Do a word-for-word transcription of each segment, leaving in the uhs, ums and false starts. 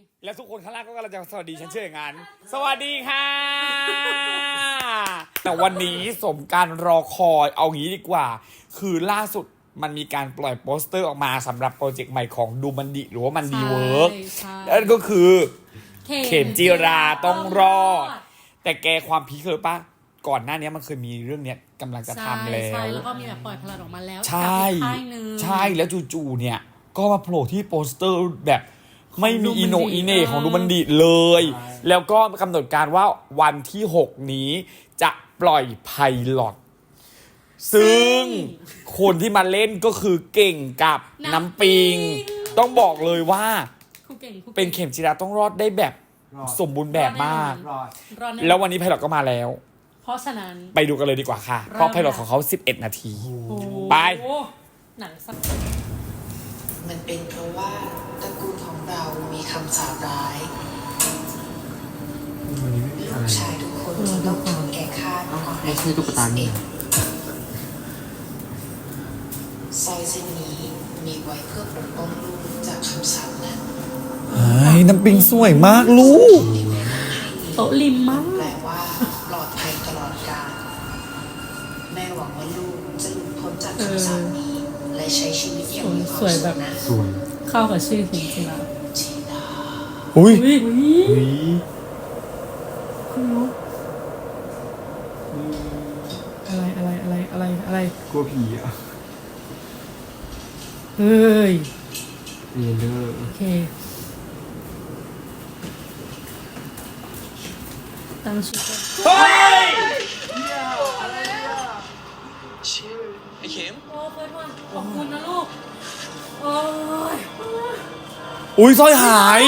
แล้วทุกคนข้างล่างก็กำลังจะสวัสดีฉันเชื่ออย่างนั้นสวัสดีค่ะ แต่วันนี้สมการรอคอยเอางี้ดีกว่าคือล่าสุดมันมีการปล่อยโปสเตอร์ออกมาสำหรับโปรเจกต์ใหม่ของดูมันดิหรือว่ามันดีเวิร์กนั่นก็คือเข็มจีราต้องรอดแต่แกความพีคเลยปะก่อนหน้านี้มันเคยมีเรื่องเนี้ยกำลังจะทำแล้วแล้วก็มีแบบปล่อยพลังออกมาแล้วใช่ใช่แล้วจู่ๆเนี่ยก็มาโผล่ที่โปสเตอร์แบบไม่มีอีโนอีเน่ของดูมันดิเลย แล้วก็กำหนดการว่าวันที่หกนี้จะปล่อยไพลอตซึ่งคนที่มาเล่นก็คือเก่งกับน้ำปิงต้องบอกเลยว่าเป็นเข็มจีราต้องรอดได้แบบสมบูรณ์แบบมากแล้ววันนี้ไพลอตก็มาแล้วเพราะฉะนั้นไปดูกันเลยดีกว่าค่ะเพราะไพลอตของเขาสิบเอ็ดนาทีไปหนังสักมันเป็นเพราะว่าตระกูลของเรามีคำสาปร้ายลูกชายทุกคนจะต้องถูกแก่ฆ่าก่อนอายุยี่สิบเอ็ดสร้อยเส้นนี้มีไว้เพื่อปกป้องลูกจากคำสาปนั้นไอ้น้ำปิงสวยมากลูกโตลิมมากแปลว่าปลอดภัยตลอดกาลแม่หวังว่าลูกจะหลุดพ้นจากคำสาปนี้และใช้ชีวิตอย่างมีความสุขนะสวยเข้ากับชื่อจริงๆแล้วอุ้ยอะไรอะไรอะไรอะไรอะไรกลัวผีอ่ะเฮ้ยเอเลอร์โอเคตั้งชื่อเฮ้ยชื่อไอ้เข็มโอ้เฟิร์สวันขอบคุณนะลูกโอ้ยอุ้ยสร้อยหาย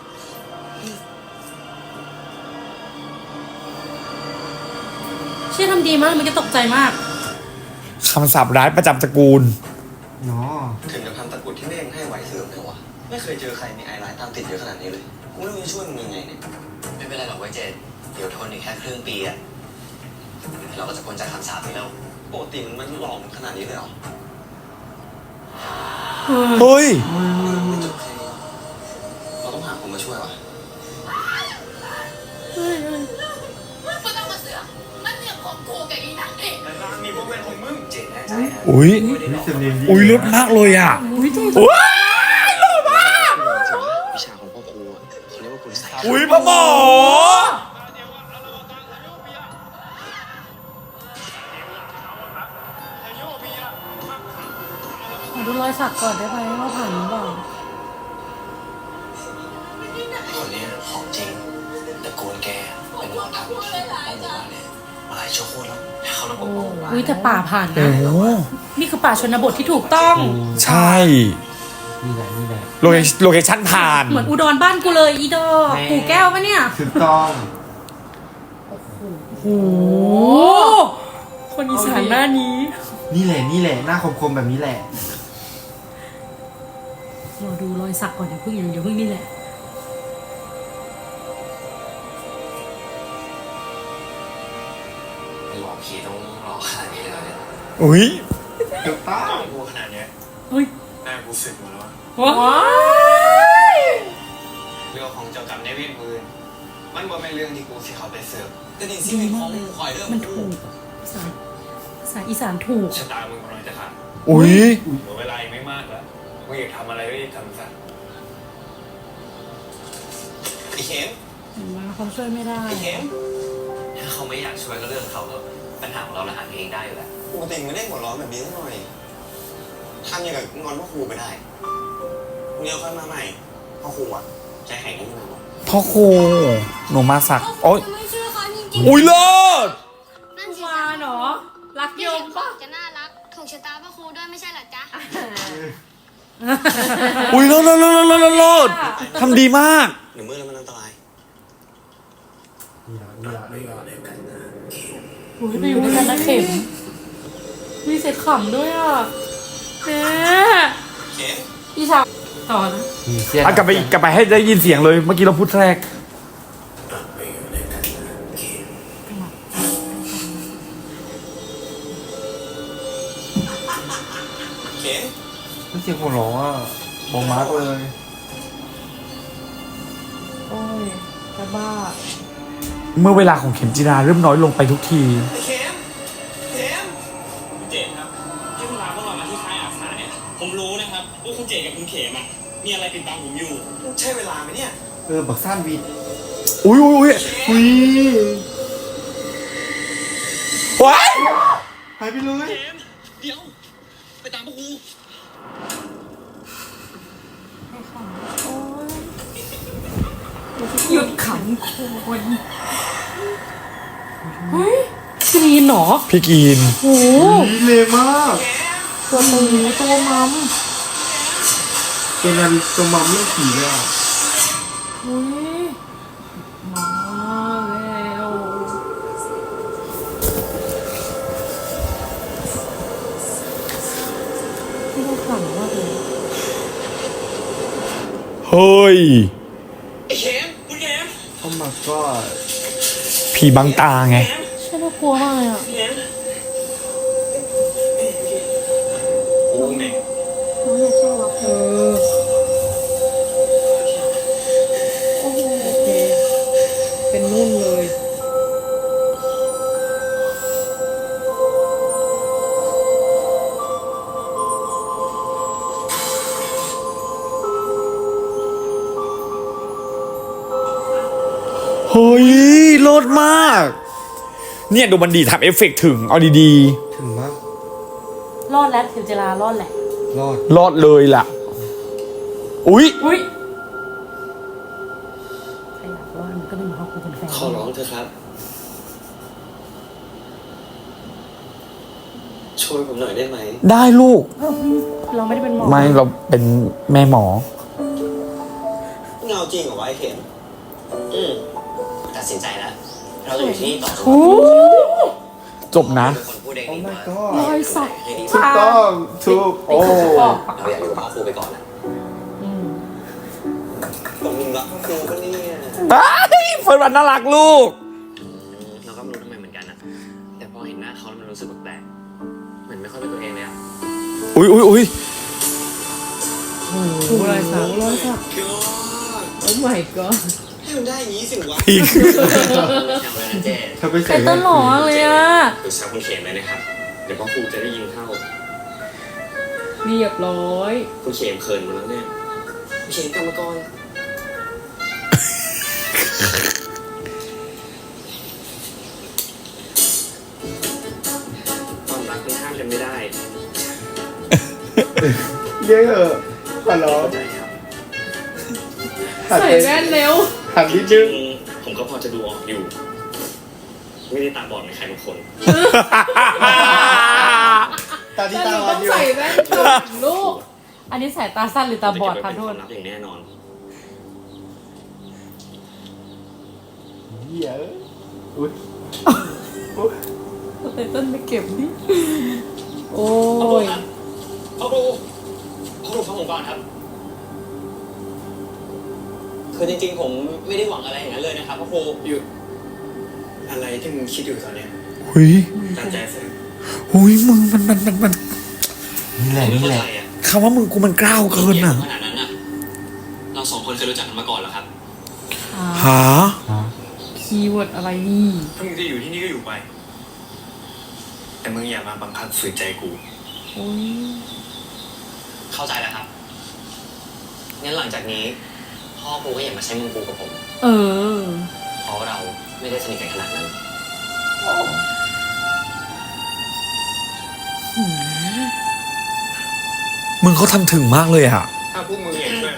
เชื่อทำดีมากมันก็ตกใจมากคำสาปร้ายประจำตระกูลเนาะถึงกับทำตะกุดที่แม่งให้ไหวเสื่อมเลยวะไม่เคยเจอใครมีไอร้ายตามติดเยอะขนาดนี้เลยกูไม่รู้จะช่วยมึงยังไงเนี่ยไม่เป็นไรหรอกไว้เจดเดี๋ยวทนอีกแค่ครึ่งปีอะเราก็จะพ้นจากคำสาปนี้แล้วปกติมันมันหลอกขนาดนี้เลยเหรอเฮ้ยไม่จบแค่นี้เราต้องหาคนมาช่วยวะไม่ต้องมาเสือกมันเรื่องของกูกับอีนังเองแต่ร้านมีพวกเป็นของมึงเจดแน่ใจอุ้ยอุ้ยเลิศมากเลยอ่ะอุ้ยจริงว้ายหล่อมากวิชาของพ่อครูเขาเรียกว่าคุณใส่อุ้ยพ่อหมอขอดูรอยสักก่อนได้ไหมว่าผ่านหรือเปล่าคนนี้ของจริงแต่โกนแกเป็นหมอทำที่ป้องกันเนี่ยมาหลายชั่วโคตรแล้วเขาต้องปกป้องอุ้ยแต่ป่าผ่านนะนี่คือป่าชนบทที่ถูกต้องใช่นี่แหละนี่แหละโลเคโลเคชั่นผ่านเหมือนอุดรบ้านกูเลยอีดอปู่แก้วปะเนี่ยถูกต้องโอ้โหคนอีสานหน้านี้นี่แหละนี่แหละหน้าคมๆแบบนี้แหละเราดูรอยสักก่อนอย่าเพิ่งอย่าเพิ่งนี่แหละหลอกผีต้องหลอกขนาดนี้เลยเนี่ยอุ้ยถูกต้องกูขนาดนี้เฮ้ยแม่กูสึกหมดแล้วว้ายเรื่องของเจ้ากรรมในเวทมือมันบ่เป็นเรื่องที่กูสิเขาไปเสือกก็นี่สิเป็นของคอยเรื่องมันถูกภาษาภาษาอีสานถูกชะตามึงกำลังจะขาดอุ้ยเหลือเวลาอีกไม่มากแล้วมึงอยากทำอะไรก็รีบทำซะไอ้เข็มเห็นไหมเขาช่วยไม่ได้ไอ้เข็มถ้าเขาไม่อยากช่วยก็เรื่องเขาก็ปัญหาของเราเราหาเองได้อยู่แล้วปกติไม่ได้หัวร้อนแบบนี้สักหน่อยทำอย่างกับงอนพ่อครูไปได้เดี๋ยวค่อยมาใหม่พ่อครูอ่ะใจแข็งนิดนึงพ่อครูหนูมาสักโอ๊ยอุ้ยเลิศนั่นมาเนาะรักยมป่ะจะน่ารักถูกชะตาพ่อครูด้วยไม่ใช่หรอจ๊ะอุ้ยเลิศเลิศเลิศเลิศเลิศทำดีมากหนูมือแล้วมันอันตรายนี่ละนี่ละนี่ละอุ้ยไปอยู่ด้วยกันนะเข็มมีเสร็จขำด้วยอ่ะแม่เข็มอีชาต่อนะอ่ะกลับไปกลับไปให้ได้ยินเสียงเลยเมื่อกี้เราพูดแรกไม่เสียงหัวเราะอ่ะบอกมาร์กเลยโอ้ยจะบ้าเมื่อเวลาของเข็มจีราเริ่มน้อยลงไปทุกทีไอ้เข็มเข็มคุณเจดครับที่คุณพาพวกเรามาที่ค่ายอาสาเนี่ย ผมรู้นะครับว่าคุณเจดกับคุณเข็มอ่ะมีอะไรติดตามผมอยู่ ใช่เวลาไหมเนี่ยเออบักซ่านวีดอุ้ยอุ้ยอุ้ยอุ้ยว้ายหายไปเลยเข็มเดี๋ยว ไปตามพวกกูหยุดขำคนเฮ้ยกรีนเหรอพี่กีนโอ้โหนี่เลยมากตัวตูตัวมัมตัวนั้นตัวมัมเรื่องผีเลยอ่ะเฮ้ยมาแล้วที่เราขำมากเลยเฮ้ยไอ้เข็มคุณเข็มโอ้ my god ผีบังตาไงเข็มใช่น่ากลัวมากเลยอ่ะเข็มโอ้แม่งน้องอยากใช่หรอเออโอ้โหโอเคเป็นนุ่นเลยเฮ้ยโลดมาก เนี่ยดูมันดีทำเอฟเฟกต์ถึง เอาดีถึงมากรอดแล้วเทวเจรารอดแหละรอดๆ รอดเลยล่ะ อุ๊ยอุ้ยใครอยากรอดมันก็ไม่มาเข้าคุเป็นแฟนขอร้องเถอะครับ ช่วยผมหน่อยได้ไหมได้ลูกเราไม่ได้เป็นหมอไม่เราเป็นแม่หมอเงาจริงเหรอวะไอ้เข็ม อืมตัดสินใจแล้ว เราจะอยู่ที่นี่ต่อจนโอ้จบนะเป็นคนพูดเองโอ้ดีก my ว่า god รอยสักให้ดีถูกต้องถูกโอ้เราอยากอยู่กับพ่อครูไปก่อนนะอืมตรงมึงรักพ่อครูปะเนี่ยเฮ้ยเฟิร์นวันน่ารักลูกเราก็ไม่รู้ทำไมเหมือนกันนะแต่พอเห็นหน้าเขาแล้วมันรู้สึกแปลกๆเหมือนไม่ค่อยเป็นตัวเองเลยอะอุ๊ยอุ๊ยอุ๊ยโอ้โหรอยสักรอยสักก็โอ้ my god ให้มันได้อย่างนี้สิวะพีคแซวเลยนะเจ๊เธอไปใครใส่ต้นหล่อมากเลยอ่ะหรือแซวคุณเข็มเลยนะครับ เดี๋ยวพ่อครูจะได้ยินเข้าเรียบร้อยคุณเข็มเขินหมดแล้วเนี่ยคุณเข็มกรรมกรความรักมันห้ามกันไม่ได้เยอะเหอะขอร้องเข้าใจครับหันใส่ไปแว่นเร็วหันนิดจรินึงงผมก็พอจะดูออกอยู่ ไม่ได้ตาบอดในใครบางคนตาที่แต่ตาหนูวัต้นองอยู่ใส่แว่นก่อนลูก อันนี้สายตาสั้นหรือตาบอดคะจะโทเก็บษไว้เป็นความลับอย่างแน่นอนเหี้ยอุ้ยไตเติ้ลไปเก็บดิโอ้ยพ่อครูพ่อครูฟังผมก่อนครับ คือจริงๆ ผมไม่ได้หวังอะไรอย่างนั้นเลยนะครับพ่อครูหยุดอะไรที่มึงคิดอยู่ตอนเนี้ยหุยตั้งใจซะหุยมึงมันมันมันมันนี่แหละนี่แหละคำว่ามึงกูมันกล้าวเกินอ่ะขนาดนั้นอ่ะ เราสองคนเคยรู้จักกันมาก่อนเหรอครับหาคีย์เวิร์ดอะไรนี่ถ้ามึงจะอยู่ที่นี่ก็อยู่ไป แต่มึงอย่ามาบังคับฝืนใจกูโอ้ยเข้าใจแล้วครับ งั้นหลังจากนี้ พ่อกูก็อย่ามาใช้มึงกูกับผมเออเพราะเราไม่ได้สนิทกันขนาดนั้นมึงเขาทำถึงมากเลยอ่ะถ้าพวกมึงอยากช่วย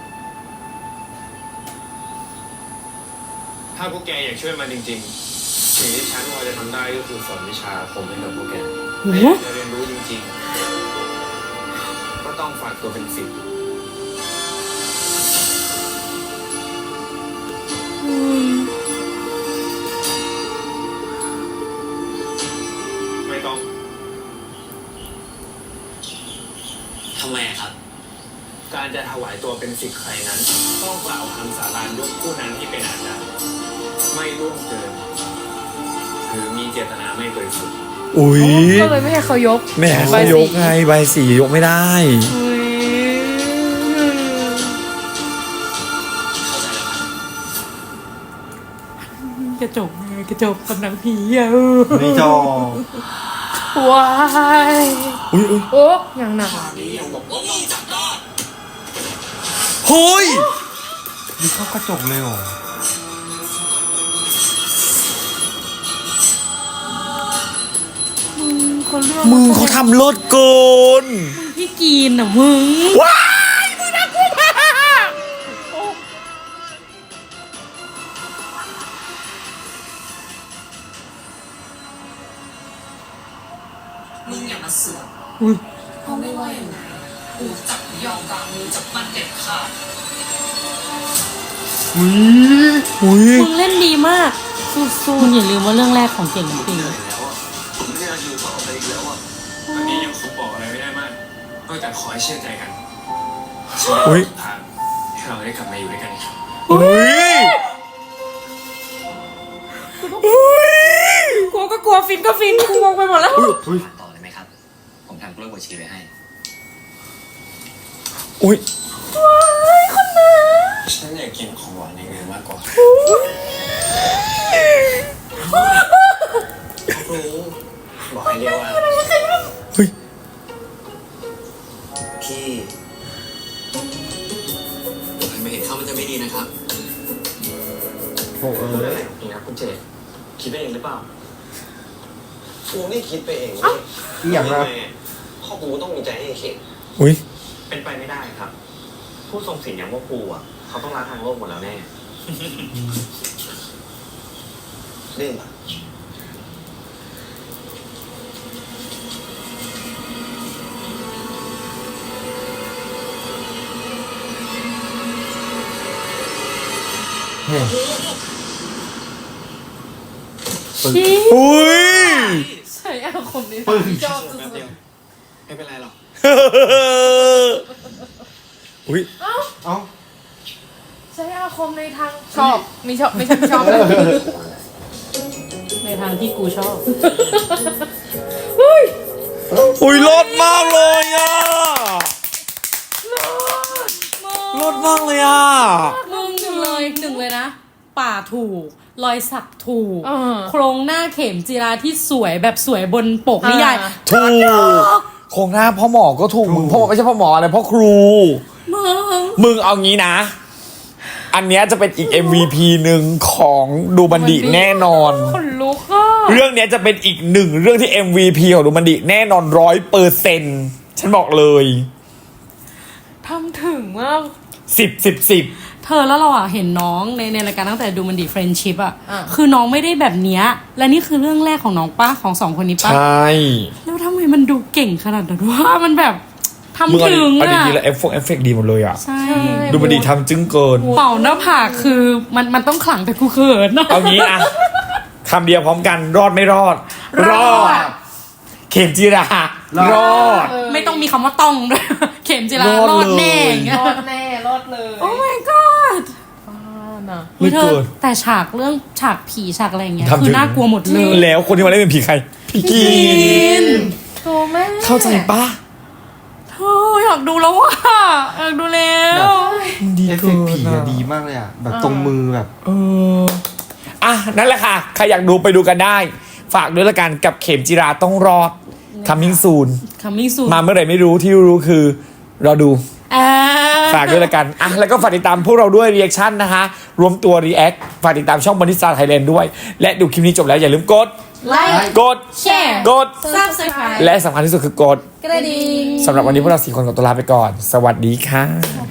ถ้าพวกแกอยากช่วยมันจริงๆ สิ่งที่ฉันพอจะทำได้ก็คือสอนวิชาอาคมให้กับพวกแกโอ้แต่โหอยากจะเรียนรู้จริงๆ ก็ต้องฝากตัวเป็นศิษย์ไม่ต้อง ทำไมอะครับ การจะถวายตัวเป็นศิษย์ใครนั้น ต้องกล่าวคำสาบานยกผู้นั้นที่เป็นอาจารย์ไม่ร่วงเกิน หรือมีเจตนาไม่บริสุทธิ์อุ้ยก็เลยไม่ให้เขายกแหม่เขายกไงใบสียกไม่ได้อุ้ยเข้าใจแล้วครับกระจกกระจกกับหนังผีอ่ะไม่จอว้ายอุ้ยอุ้ยโอ้ยังหนักเฮ้ยมีเข้ากระจกเลยเหรอคนเรื่องมึงเขาทำเลิศเกินพี่กีนอ่ะมึงว้ายมึงน่ากลัวมากมึงอย่ามาเสือกอุ้ยเพราะไม่ว่ายังไงกูจับยอมวางมือจากมันเด็ดขาดอุ้ยอุ้ยมึงเล่นดีมากสู้ๆอย่าลืมว่าเรื่องแรกของเก่งจริงแล้วอ่ะผมไม่อยากอยู่ต่อไปอีกแล้วอ่ะตอนนี้ยังคงบอกอะไรไม่ได้มากนอกจากขอให้เชื่อใจกันอุ้ยทางให้เราได้กลับมาอยู่ด้วยกันอีกครั้งอุ้ยอุ้ยกลัวก็กลัวฟินก็ฟินกูงงไปหมดแล้วอุ้ยต่อเลยไหมครับ ผมทำกล้วยบวชชีไว้ให้อุ้ยฉันอยากกินของหวานอย่างอื่นมากกว่าครูบอกให้เรียกว่าเฮ้ยพี่ใครไม่เห็นเข้ามันจะไม่ดีนะครับโอ้เอพูดออะไรของพี่ครับคุณเจดคิดไปเองหรือเปล่ากูไม่คิดไปเองเว้ยอีหยังนะทำไมพ่อกูต้องมีใจให้เข็ดอุ้ยเป็นไปไม่ได้ครับ ผู้ทรงศีลอย่างพวกกูอ่ะเขาต้องละทางโลกหมดแล้วแน่เล่นปะเฮ้ยชี้อุ้ยใช่อาคมนี้ปึ้งชอบแป๊บเดียวไม่เป็นไรหรอกอุ้ยเอ้าใช้อาคมในทางชอบไม่ชอบไม่ใช่ชอบในทางที่กูชอบอุ้ยรอดมากเลยอ่ะรอดมากเลยอ่ะมึงหนึ่งเลยหนึ่งเลยนะ ป่าถูก รอยสักถูก โครงหน้าเข็มจีราที่สวยแบบสวยบนปกนิยายถูกโครงหน้าพ่อหมอก็ถูกมึงพ่อหมอไม่ใช่พ่อหมออะไรพ่อครูมึงมึงเอางี้นะ อันเนี้ยจะเป็นอีก เอ็ม วี พี หนึ่งของดูบันดิแน่นอนคนลุกอ่ะเรื่องเนี้ยจะเป็นอีกหนึ่งเรื่องที่ เอ็ม วี พี ของดูบันดิแน่นอนร้อยเปอร์เซ็นต์ฉันบอกเลยทำถึงมากสิบสิบสิบเธอแล้วเราอ่ะเห็นน้องในในรายการตั้งแต่ดูมันดีเฟรนชิพอ่ะคือน้องไม่ได้แบบเนี้ยและนี่คือเรื่องแรกของน้องป้าของสองคนนี้ป้าใช่แล้วทำไมมันดูเก่งขนาดนั้นว่ามันแบบมึงทำเอาถึงเอาอ่ะดีๆแล้วเอฟเฟกต์เอฟเฟกต์ดีหมดเลยอ่ะใช่ดูบันดิทำจึ้งเกินเป่าหน้าผากคือมันมันต้องขลังแต่กูเขินเนาะเอางี้อะคำเดียวพร้อมกันรอดไม่รอดรอดเข็มจีรารอดไม่ต้องมีคำว่าต้องด้วย เข็มจิรารอดรอดแน่เลยอย่างเงี้ยรอดแน่รอดเลยโอ้ my god บ้าน่ะไม่เธเกิอน แต่ฉากเรื่องฉากผีฉากอะไรอย่างเงี้ยทำถึงคือน่ากลัวหมดเลยแล้วคนที่มาเล่นเป็นผีใครพี่กีนตัวแม่เข้าใจปะเธออยากดูแล้วว่ะอยากดูแล้วดีเอฟเฟเกิกต์ผีนอะอะดีมากเลยอ่ะ แบบตรงมือแบบเอออ่ะนั่นแหละค่ะ ใครอยากดูไปดูกันได้ ฝากด้วยละกันกับเข็มจีราต้องรอด coming soon คัมมิ่งซูมาเมื่อไหร่ไม่รู้ที่รู้คือรอดูอ่าฝากด้วยละกัน อ่ะ แล้วก็ฝากติดตามพวกเราด้วย reaction นะคะ รวมตัว react ฝากติดตามช่องบริษัทไทยแลนด์ด้วย และดูคลิปนี้จบแล้วอย่าลืมกดไลค์กดแชร์กดซับสไครต์และสำคัญที่สุดคือกดกระดิ่งสำหรับวันนี้พวกเราสี่คนขอตัวลาไปก่อน สวัสดีค่ะสวัส